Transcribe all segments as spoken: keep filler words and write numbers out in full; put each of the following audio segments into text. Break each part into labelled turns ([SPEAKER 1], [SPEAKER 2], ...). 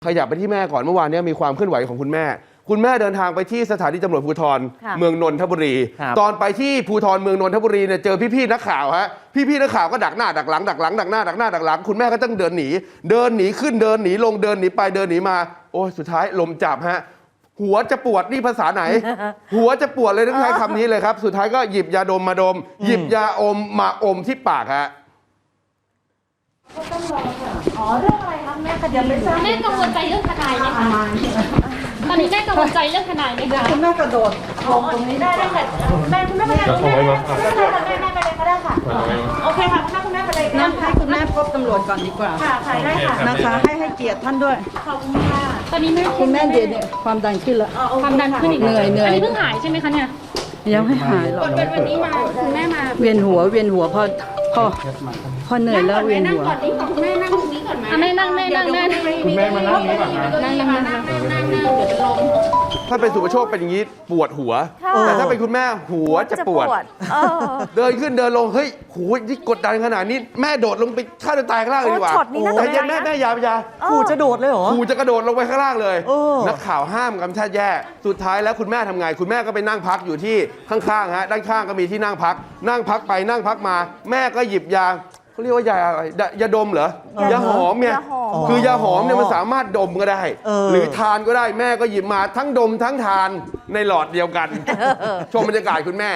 [SPEAKER 1] ขยับไปที่แม่ก่อนเมื่อวานนี้มีความเคลื่อนไหวของคุณแม่คุณแม่เดินทางไปที่สถานีตำรวจภูธรเมืองนนทบุรีตอนไปที่ภูธรเมืองนนทบุรีเนี่ยเจอพี่ๆนักข่าวฮะพี่ๆนักข่าวก็ดักหน้าดักหลังดักหลังดักหน้าดักหน้าดักหลังคุณแม่ก็ต้องเดินหนีเดินหนีขึ้นเดินหนีลงเดินหนีไปเดินหนีมาโอ้สุดท้ายลมจับฮะหัวจะปวดนี่ภาษาไหน หัวจะปวดเลยต้องใช้คำนี้เลยครับสุดท้ายก็หยิบยาดมมาดมหยิบยาอมมาอมที่ปากฮะ
[SPEAKER 2] อ๋อเรื่องอะไรคะแม่คดีไม่ทราบแม่กังวลใจเรื่องทนายไหมคะตอนนี้แม่กังวลใจเรื่องทนายไหมคะ
[SPEAKER 3] คุณแม่กระโดดลงตรงนี้ได้ได้ค่ะแม่คุณแม่ไปเลยคุณแม่แม่แม่ไปเลยก็ได้ค่ะโอเคค่ะคุณแม่คุณแม่ไปเลยนั่งให้คุณแม่พบตำรวจก่อนดีกว่าค่ะค่ะได้ค่ะนะคะให้ให้เกียรติท่านด้วย
[SPEAKER 2] ขอบคุณค่ะตอนนี้แม่
[SPEAKER 3] คุณแม่เดี๋ยวเนี่ยความดันขึ้นแล้ว
[SPEAKER 2] ความดันขึ้นอีก
[SPEAKER 3] เหนื่อยเหนื่อย
[SPEAKER 2] อันนี้เพิ่งหายใช่ไหมคะเนี่ย
[SPEAKER 3] ยังไม่หายหรอก
[SPEAKER 2] เป็นวันนี้มาคุณแม่มา
[SPEAKER 3] เวียนหัวเวียนหัวพอพอพอเหนื่อยแล้วเวียนหัว
[SPEAKER 2] นั่งก่อนนี่คุณแม่นั่งตรงนี้ก่อนไหมแม่นั่งแม่นั่งแม่
[SPEAKER 4] คุณแม่มานั่งนี้ก่อนนะ
[SPEAKER 2] นั่งนั่งนั่งนั่งนั่งเดี๋ยวจะล้ม
[SPEAKER 1] ถ้าเป็นสุภโชคเป็นอย่างนี้ปวดหัวแต่ถ้าเป็นคุณแม่หัวจะปวดเดินขึ้นเดินลงเฮ้ยหูที่กดดันขนาดนี้แม่โดดลงไปฆ่าตัวตายข้างล่างเลยดีกว่าใจเย็นแม่แม่ยาวยา
[SPEAKER 4] ขู่จะโดดเลยเหรอ
[SPEAKER 1] ขู่จะกระโดดลงไปข้างล่างเลยนักข่าวห้ามกำชับแย่สุดท้ายแล้วคุณแม่ทำไงคุณแม่ก็ไปนั่งพักอยู่ที่ข้างๆฮะด้านข้างก็มีที่นั่งพักนั่งพักไปนั่งพักมาแม่ก็หยิบยาเขาเรียกว่ายาอะไรยาดมเหรอยาหอมเนี่ยคือยาหอมเนี่ยมันสามารถดมก็ได้หรือทานก็ได้แม่ก็หยิบมาทั้งดมทั้งทานในหลอดเดียวกันชมบรรยากาศคุณแม่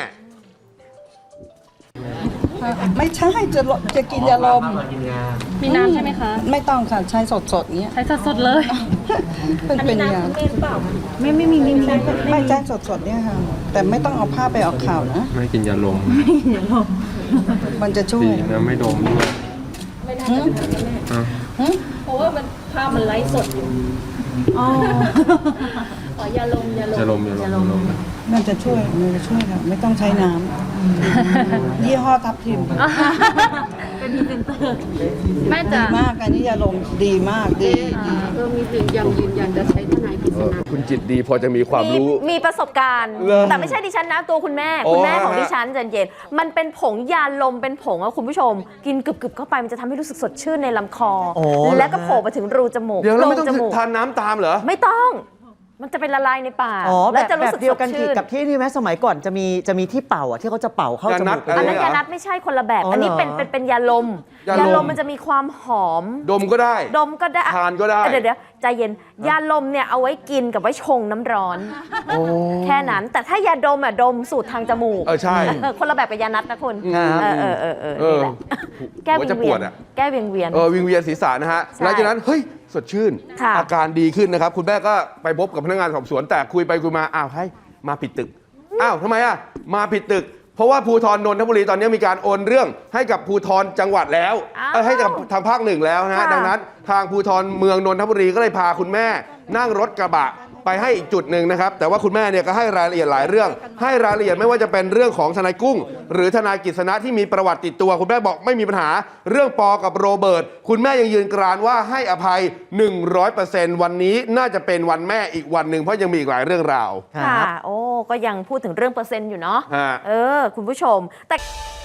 [SPEAKER 3] ไม่ใช่จะจะกินยาลม
[SPEAKER 2] มีน้ำใช่ไหมคะ
[SPEAKER 3] ไม่ต้องค่ะใช้สดๆเนี้ย
[SPEAKER 2] ใช้สดๆเลย
[SPEAKER 3] เป็นเป็นยาไม่ไม่มีไม่มีไม่ใช้สดๆเนี่ยค่ะแต่ไม่ต้องเอาผ้าไปออกข่าวนะ
[SPEAKER 4] ไม่กินยาลม
[SPEAKER 3] มันจะช่วย
[SPEAKER 4] นะไม่ดมด้วย
[SPEAKER 2] ไม่น่าจะเป็นแม่เพราะว่ามันภาพมันไลฟ์สดอยู่อ๋ออ๋อยาลมยาลม
[SPEAKER 4] ยาลมยาลม
[SPEAKER 3] มันจะช่วยมันจะช่วยค่ะไม่ต้องใช้น้ำยี่ห้อทับทิม
[SPEAKER 2] เป็นพรีเซนเตอร์แม่จะ
[SPEAKER 3] มากอันนี้ยาลมดีมากดี
[SPEAKER 2] เออมีถึงยังยืนยันจะใช้ทนายกฤษณะ
[SPEAKER 1] คุณจิตดีพอจะมีความรู้
[SPEAKER 5] มีประสบการณ์แต่ไม่ใช่ดิฉันนะตัวคุณแม่คุณแม่ของดิฉันใจเย็นมันเป็นผงยาลมเป็นผงอะคุณผู้ชมกินกึบๆเข้าไปมันจะทำให้รู้สึกสดชื่นในลำคอแล้วก็โผล่มาถึงรูจมูก
[SPEAKER 1] เดี๋ยวเราไม่ต้องทานน้ำตามเหรอ
[SPEAKER 5] ไม่ต้องมันจะเป็นละลายในปาก
[SPEAKER 6] แล้วจะรู้สึกเดียวกันกับที่นี่ไหมสมัยก่อนจะมีจะมีที่เป่าอ่ะที่เขาจะเป่าเข้าจมูก
[SPEAKER 5] อันนั้นยานัดไม่ใช่คนละแบบอันนี้เป็นเป็นเป็นยาลมยาลมมันจะมีความหอม
[SPEAKER 1] ดมก็ได้
[SPEAKER 5] ดมก็ได้
[SPEAKER 1] ทานก็ได้
[SPEAKER 5] เดี๋ยวเดี๋ยวใจเย็นยาลมเนี่ยเอาไว้กินกับไว้ชงน้ำร้อนแค่นั้นแต่ถ้ายาดมอ่ะดมสูตรทางจมูก
[SPEAKER 1] เออใช่
[SPEAKER 5] คนละแบบกับยานัดนะคุณเออเออเออเออแก้วิงเวียนแก้วิงเวียน
[SPEAKER 1] เออวิงเวียนศีรษะนะฮะหลังจากนั้นเฮ้ยสดชื่นอาการดีขึ้นนะครับคุณแม่ก็ไปพบกับพนักงานสอบสวนแต่คุยไปคุยมาอ้าวให้มาผิดตึกอ้าวทำไมอ่ะมาผิดตึกเพราะว่าภูธรนนทบุรีตอนนี้มีการโอนเรื่องให้กับภูธรจังหวัดแล้วให้กับทางภาคหนึ่งแล้วนะฮะดังนั้นทางภูธรเมืองนนทบุรีก็เลยพาคุณแม่นั่งรถกระบะไปให้อีกจุดหนึ่งนะครับแต่ว่าคุณแม่เนี่ยก็ให้รายละเอียดหลายเรื่องให้รายละเอียดไม่ว่าจะเป็นเรื่องของทนายกุ้งหรือทนายกฤษณะที่มีประวัติติดตัวคุณแม่บอกไม่มีปัญหาเรื่องปอกับโรเบิร์ตคุณแม่ยังยืนกรานว่าให้อภัย หนึ่งร้อยเปอร์เซ็นต์ วันนี้น่าจะเป็นวันแม่อีกวันหนึ่งเพราะยังมีอีกหลายเรื่องราว
[SPEAKER 5] ค่ะโอ้ก็ยังพูดถึงเรื่องเปอร์เซ็นต์อยู่เนาะเออคุณผู้ชมแต่